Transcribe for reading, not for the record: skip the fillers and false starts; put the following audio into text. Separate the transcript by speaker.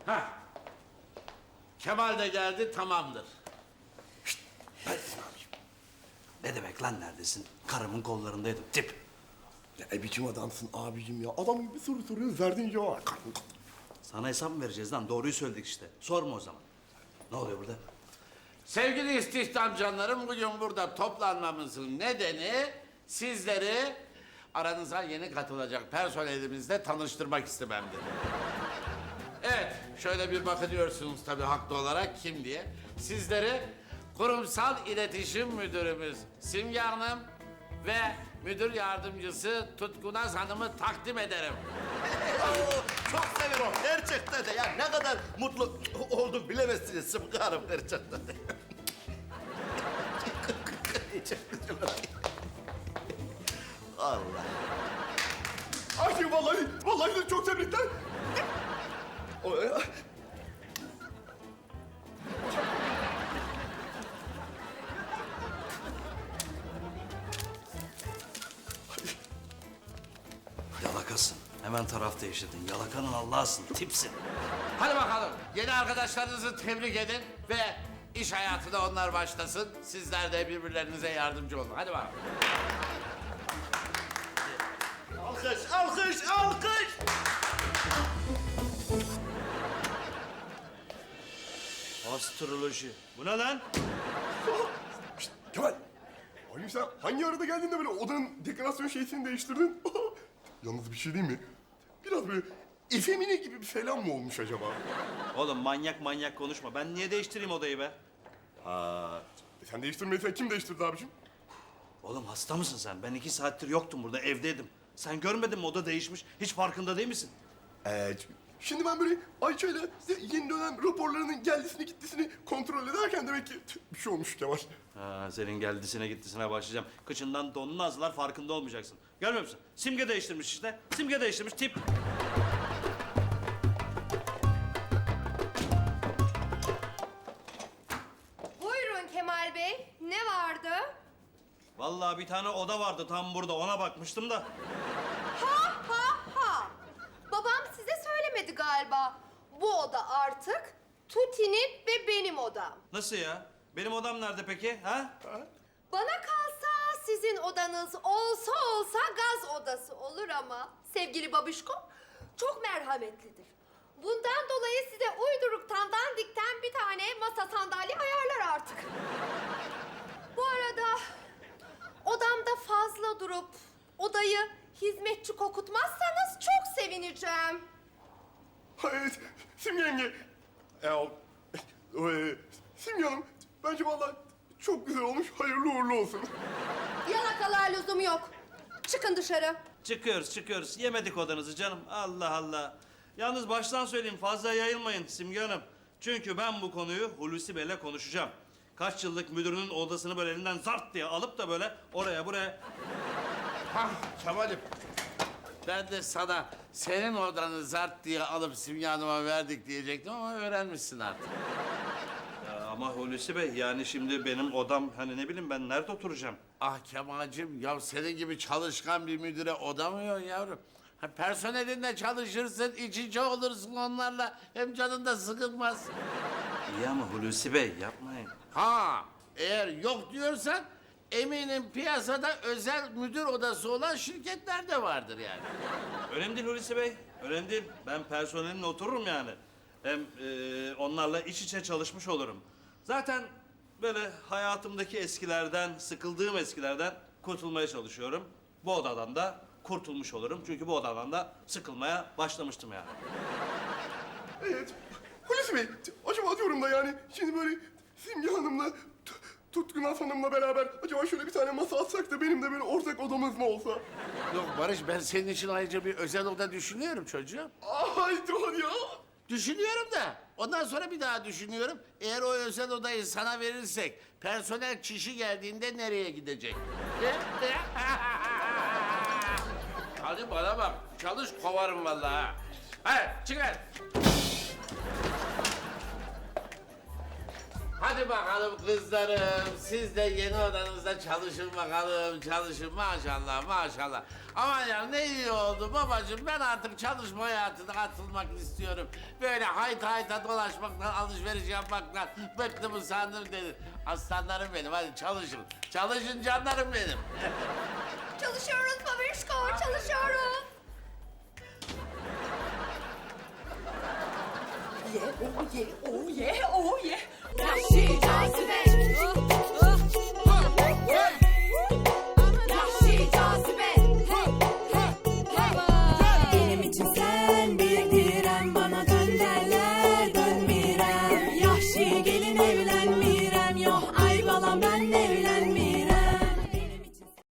Speaker 1: Kemal de geldi, tamamdır.
Speaker 2: Neredesin abiciğim? Ne demek lan neredesin? Karımın kollarındaydım. Tip.
Speaker 3: Ne biçim adamsın abicim ya? Adam gibi soru soruyoruz, verdiğin cevap.
Speaker 2: Sana hesap mı vereceğiz lan? Doğruyu söyledik işte. Sorma o zaman. Ne oluyor burada?
Speaker 1: Sevgili istihdam canlarım, bugün burada toplanmamızın nedeni sizleri aranıza yeni katılacak personelimizle tanıştırmak istememdir. Evet, şöyle bir bakıyorsunuz tabii haklı olarak kim diye. Sizleri kurumsal iletişim müdürümüz Simge Hanım ve müdür yardımcısı Tutkunaz Hanım'ı takdim ederim.
Speaker 4: Çok severim gerçekten de. Ya ne kadar mutlu oldum bilemezsiniz Sıtkı Hanım gerçekten de. Allah.
Speaker 3: Ay vallahi de çok tebrikler.
Speaker 2: Yalakasın. Hemen taraf değiştirdin. Yalakanın Allah'ısın. Tipsin.
Speaker 1: Hadi bakalım, yeni arkadaşlarınızı tebrik edin ve iş hayatına onlar başlasın. Sizler de birbirlerinize yardımcı olun. Hadi bakalım.
Speaker 4: Alkış, alkış, alkış.
Speaker 2: Astroloji. Bu ne lan?
Speaker 3: Şşt, Kemal. Ay sen hangi arada geldin de böyle odanın dekorasyon şeysini değiştirdin? Yalnız bir şey diyeyim mi? Biraz böyle efemine gibi bir falan mı olmuş acaba?
Speaker 2: Oğlum manyak konuşma. Ben niye değiştireyim odayı be?
Speaker 3: Sen değiştirmediysen kim değiştirdi abicim?
Speaker 2: Oğlum hasta mısın sen? Ben 2 saattir yoktum burada, evdeydim. Sen görmedin mi oda değişmiş? Hiç farkında değil misin?
Speaker 3: Şimdi ben böyle Ayça'yla yeni dönem raporlarının geldisini gittisini kontrol ederken demek ki bir şey olmuş Kemal.
Speaker 2: Ha, senin geldisine gittisine başlayacağım. Kıçından donunu azlar, farkında olmayacaksın. Görmüyor musun? Simge değiştirmiş işte. Simge değiştirmiş, tip.
Speaker 5: Buyurun Kemal Bey, ne vardı?
Speaker 2: Vallahi bir tane oda vardı tam burada, ona bakmıştım da.
Speaker 5: Ha ha ha! Babam size söylemedi galiba. Bu oda artık Tuti'nin ve benim odam.
Speaker 2: Nasıl ya? Benim odam nerede peki? Ha?
Speaker 5: Bana kalsa sizin odanız olsa gaz odası olur ama sevgili babişko çok merhametlidir. Bundan dolayı size uyduruktan dandikten bir tane masa sandalye ayarlar artık. Bu arada odamda fazla durup odayı hizmetçi kokutmazsanız çok sevineceğim.
Speaker 3: Hayır, Simge yenge. Simge Hanım, bence vallahi çok güzel olmuş. Hayırlı uğurlu olsun.
Speaker 5: Yalakalığa lüzum yok. Çıkın dışarı.
Speaker 2: Çıkıyoruz. Yemedik odanızı canım. Allah Allah. Yalnız baştan söyleyeyim, fazla yayılmayın Simge Hanım. Çünkü ben bu konuyu Hulusi Bey'le konuşacağım. Kaç yıllık müdürünün odasını böyle elinden zart diye alıp da böyle oraya buraya...
Speaker 1: Hah Kemal'im. Ben de sana senin odanı zart diye alıp Simge Hanım'a verdik diyecektim ama öğrenmişsin artık.
Speaker 2: Ya ama Hulusi Bey, yani şimdi benim odam, hani ne bileyim ben nerede oturacağım?
Speaker 1: Ah Kemal'cim, ya senin gibi çalışkan bir müdüre odamıyor yavrum. Ha, personelinle çalışırsın, iç içe olursun onlarla. Hem canın da sıkılmaz.
Speaker 2: İyi ama Hulusi Bey yapmayın.
Speaker 1: Ha, eğer yok diyorsan eminim piyasada özel müdür odası olan şirketler de vardır yani.
Speaker 2: Önemli değil Hulusi Bey, önemli değil. Ben personelimle otururum yani. Hem onlarla iç içe çalışmış olurum. Zaten böyle hayatımdaki eskilerden, sıkıldığım eskilerden kurtulmaya çalışıyorum. Bu odadan da kurtulmuş olurum. Çünkü bu odadan da sıkılmaya başlamıştım yani.
Speaker 3: Evet. Hulusi Bey, acaba diyorum da yani şimdi böyle Simge Hanım'la Tutkunaz Hanım'la beraber acaba şöyle bir tane masa atsak da benim de böyle ortak odamız mı olsa?
Speaker 1: Yok Barış, ben senin için ayrıca bir özel oda düşünüyorum çocuğum.
Speaker 3: Ay dur ya.
Speaker 1: Düşünüyorum da ondan sonra bir daha düşünüyorum. Eğer o özel odayı sana verirsek personel kişi geldiğinde nereye gidecek? Hadi bana bak, çalış kovarım vallahi ha. Hadi çıkar. Hadi. Hadi bakalım kızlarım. Siz de yeni odanızda çalışın bakalım. Çalışın maşallah maşallah. Aman ya ne iyi oldu babacığım. Ben artık çalışma hayatına atılmak istiyorum. Böyle hayta hayta dolaşmaktan, alışveriş yapmaktan bıktım usandım dedi. Aslanlarım benim hadi çalışın. Çalışın canlarım benim.
Speaker 5: Çalışıyoruz babişko, çalışıyoruz.
Speaker 6: Oh yeah, oh yeah, oh yeah.